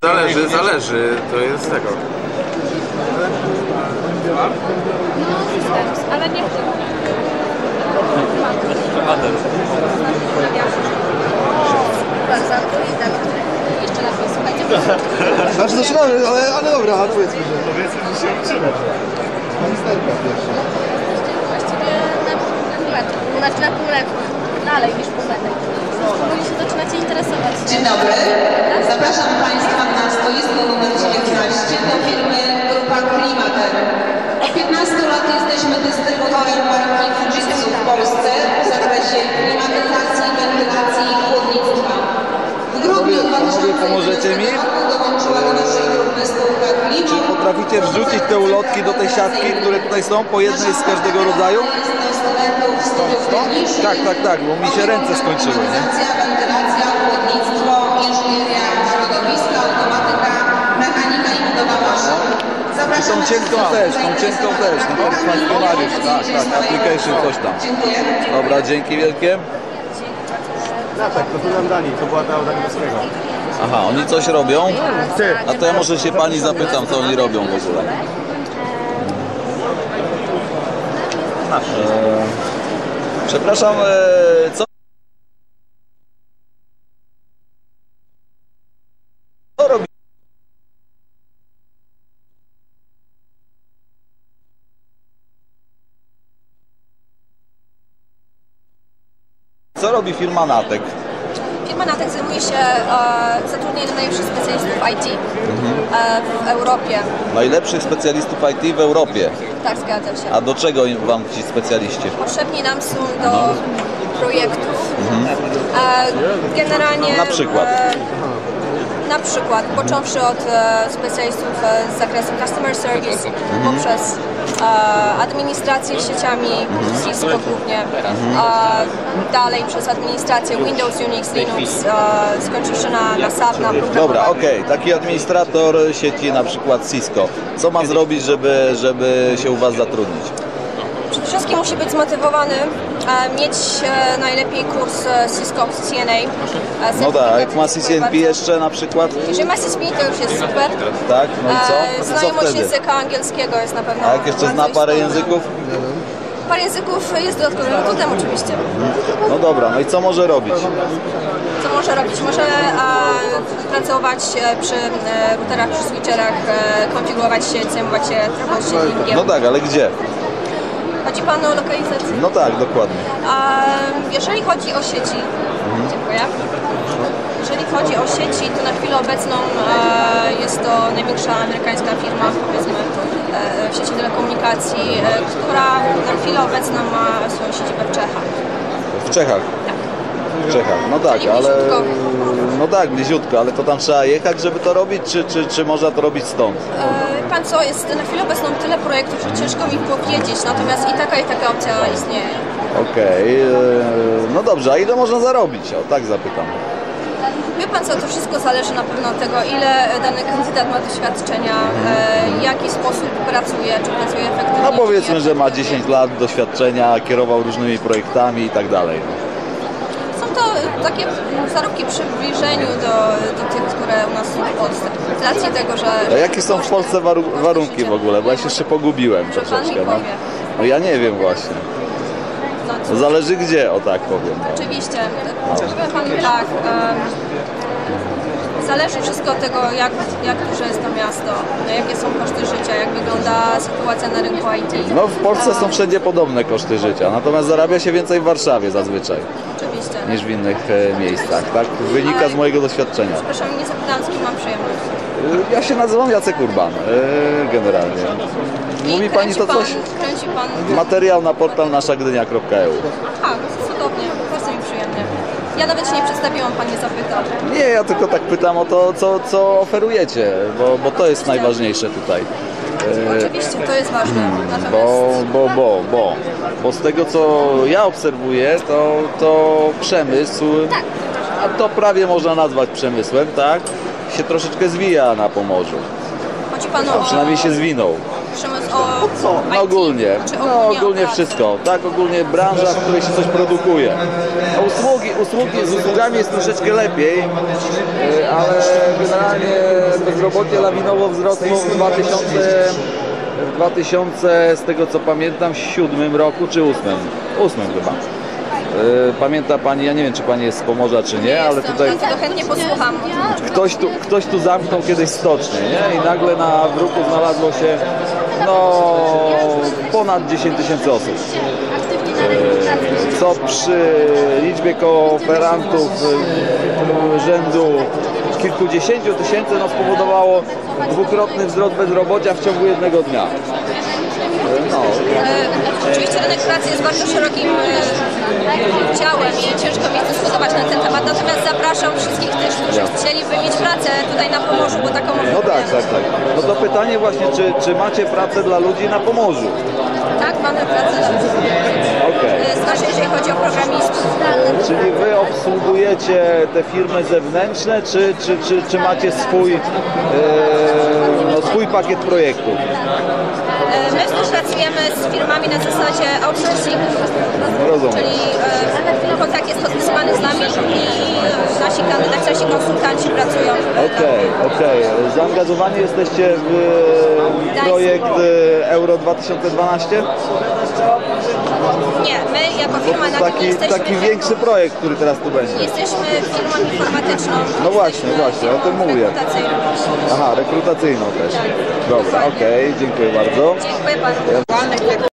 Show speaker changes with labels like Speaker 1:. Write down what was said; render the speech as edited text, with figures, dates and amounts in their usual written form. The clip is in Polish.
Speaker 1: Zależy, to jest tego.
Speaker 2: Ale nie jeszcze raz słuchajcie.
Speaker 3: Znaczy zaczynamy, ale dobra, powiedzmy, że...
Speaker 4: Powiedzmy, że się uczymy.
Speaker 3: Ministerka pierwsza.
Speaker 2: Właściwie na półmetku, dalej niż półmetek. Powoli się zaczynacie interesować.
Speaker 5: Dzień dobry, zapraszam Państwa na stoisko numer 19 do firmy Grupa Klimater. Od 15 lat jesteśmy dystrybutorem marki Fujitsu w Polsce w zakresie klimatyzacji, wentylacji i chłodnictwa. W grudniu 2011 roku dołączyła do naszej grupy spółka Klima.
Speaker 6: Czy potraficie wrzucić te ulotki do tej siatki, które tutaj są, po jednej z każdego rodzaju? Tak, bo mi się ręce skończyły, nie?
Speaker 5: Wentylacja, chłodnictwo, inżynieria środowiska, automatyka, mechanika i budowa maszyn.
Speaker 6: Tą cienką też, no funkcjonariusz, tak, application coś tam.
Speaker 5: Dziękuję.
Speaker 6: Dobra, dzięki wielkie.
Speaker 4: No tak, to tu nam dali, to była ta od Angielskiego.
Speaker 6: Aha, oni coś robią? A to ja może się pani zapytam, co oni robią w ogóle. Przepraszam, co robi? Co robi firma Natek?
Speaker 2: Firma Natek zajmuje się zatrudnieniem najlepszych specjalistów IT w Europie.
Speaker 6: Najlepszych specjalistów IT w Europie.
Speaker 2: Tak, zgadza się.
Speaker 6: A do czego wam ci specjaliści?
Speaker 2: Potrzebni nam są do projektów. Generalnie
Speaker 6: Na przykład?
Speaker 2: Na przykład, począwszy od specjalistów z zakresu customer service, poprzez administrację sieciami Cisco głównie, dalej przez administrację Windows, Unix, Linux, skończywszy na SAP, na programowanie.
Speaker 6: Dobra, okej. Taki administrator sieci na przykład Cisco. Co ma zrobić, żeby się u was zatrudnić?
Speaker 2: Przede wszystkim musi być zmotywowany, mieć najlepiej kurs Cisco CCNA.
Speaker 6: No tak, jak ma CCNP jeszcze na przykład?
Speaker 2: Jeżeli ma CCNP, to już jest super.
Speaker 6: Tak, no i co? Co
Speaker 2: Znajomość
Speaker 6: wtedy?
Speaker 2: języka angielskiego jest na pewno.
Speaker 6: A jak jeszcze zna
Speaker 2: bardzo
Speaker 6: parę
Speaker 2: istotna.
Speaker 6: języków?
Speaker 2: Parę języków jest dodatkowym atutem oczywiście.
Speaker 6: No dobra, no i co może robić?
Speaker 2: Co może robić? Może pracować przy routerach, przy switcherach, konfigurować sieć, zajmować się troubleshootingiem.
Speaker 6: No tak, ale gdzie?
Speaker 2: Chodzi Pan o lokalizację?
Speaker 6: No tak, dokładnie.
Speaker 2: Jeżeli chodzi o sieci, dziękuję. Jeżeli chodzi o sieci, to na chwilę obecną jest to największa amerykańska firma, powiedzmy, w sieci telekomunikacji, która na chwilę obecną ma swoją siedzibę w Czechach.
Speaker 6: W Czechach? W Czechach, no tak,
Speaker 2: Czyli
Speaker 6: ale...
Speaker 2: bliziutko.
Speaker 6: No tak, bliziutko, ale to tam trzeba jechać, żeby to robić, czy można to robić stąd?
Speaker 2: Pan co, jest na chwilę obecną tyle projektów, że ciężko mi powiedzieć, natomiast i taka opcja istnieje.
Speaker 6: Okej, no dobrze, a ile można zarobić? O, tak zapytam.
Speaker 2: Wie Pan co, to wszystko zależy na pewno od tego, ile dany kandydat ma doświadczenia, w jaki sposób pracuje, czy pracuje efektywnie.
Speaker 6: No
Speaker 2: czy
Speaker 6: powiedzmy, że ma
Speaker 2: nieefektywnie.
Speaker 6: 10 lat doświadczenia, kierował różnymi projektami i tak dalej.
Speaker 2: Są to takie zarobki w przybliżeniu do tych, które u nas są w Polsce. Z racji tego, że...
Speaker 6: A jakie są w Polsce warunki w ogóle? Bo ja się jeszcze pogubiłem
Speaker 2: Pan mi
Speaker 6: troszeczkę. No.
Speaker 2: powie.
Speaker 6: No ja nie wiem właśnie.
Speaker 2: No,
Speaker 6: To zależy gdzie, o tak powiem. No.
Speaker 2: oczywiście. Powiem Panu tak, zależy wszystko od tego, jak duże jest to miasto, jakie są koszty życia, jak wygląda sytuacja na rynku IT.
Speaker 6: No w Polsce są wszędzie podobne koszty życia, natomiast zarabia się więcej w Warszawie zazwyczaj
Speaker 2: Oczywiście.
Speaker 6: niż w innych miejscach, tak? Wynika z mojego doświadczenia.
Speaker 2: Przepraszam, nie zapytałam, z kim mam przyjemność.
Speaker 6: Ja się nazywam Jacek Urban, generalnie. Mówi
Speaker 2: I
Speaker 6: Pani to coś?
Speaker 2: Kręci Pan...
Speaker 6: Materiał na portal naszagdynia.eu.
Speaker 2: Aha, cudownie, bardzo mi przyjemnie. Ja nawet się nie przedstawiłam, Pan nie zapytał.
Speaker 6: Nie, ja tylko tak pytam o to, co oferujecie, bo to jest najważniejsze tutaj.
Speaker 2: Oczywiście, to jest ważne. Natomiast...
Speaker 6: Bo z tego co ja obserwuję, to przemysł, a to prawie można nazwać przemysłem, tak? Się troszeczkę zwija na Pomorzu.
Speaker 2: Chodzi Panu o...
Speaker 6: Przynajmniej się zwinął.
Speaker 2: Przemysł o...
Speaker 6: No
Speaker 2: IT,
Speaker 6: ogólnie,
Speaker 2: czy
Speaker 6: no ogólnie
Speaker 2: o pracę?
Speaker 6: wszystko, tak, ogólnie branża, w której się coś produkuje. A z usługami jest troszeczkę lepiej, ale generalnie bezrobocie lawinowo wzrosło w 2000, z tego co pamiętam, 7 roku czy 8 chyba. Pamięta Pani, ja nie wiem czy Pani jest z Pomorza czy nie, ale tutaj
Speaker 2: Dlatego chętnie posłucham.
Speaker 6: ktoś tu zamknął kiedyś stocznię, nie? I nagle na Wróku znalazło się no ponad 10 000 osób. Co przy liczbie kooperantów rzędu kilkudziesięciu tysięcy no, spowodowało dwukrotny wzrost bezrobocia w ciągu jednego dnia. No.
Speaker 2: Oczywiście rynek pracy jest bardzo szerokim ciałem i ciężko mi dyskutować na ten temat, natomiast zapraszam wszystkich też, którzy chcieliby mieć pracę tutaj na Pomorzu, bo taką
Speaker 6: No tak. No to pytanie właśnie, czy macie pracę dla ludzi na Pomorzu?
Speaker 2: Tak, mamy pracę dla ludzi.
Speaker 6: Okej.
Speaker 2: Zwłaszcza jeżeli chodzi o programistów.
Speaker 6: Czyli wy obsługujecie te firmy zewnętrzne, czy macie swój pakiet projektów?
Speaker 2: My współpracujemy z firmami na zasadzie outsourcing,
Speaker 6: Rozumiem.
Speaker 2: czyli kontakt jest podpisywany z nami i nasi kandydaci, nasi konsultanci pracują.
Speaker 6: Okej. Zaangażowani jesteście w projekt Euro 2012?
Speaker 2: Nie, my jako firma na tym nie jesteśmy.
Speaker 6: Taki większy projekt, który teraz tu będzie.
Speaker 2: Jesteśmy firmą informatyczną.
Speaker 6: No właśnie, o tym mówię.
Speaker 2: Rekrutacyjną.
Speaker 6: Aha, rekrutacyjną też. Dobra, okej, dziękuję bardzo.
Speaker 2: Dziękuję panu.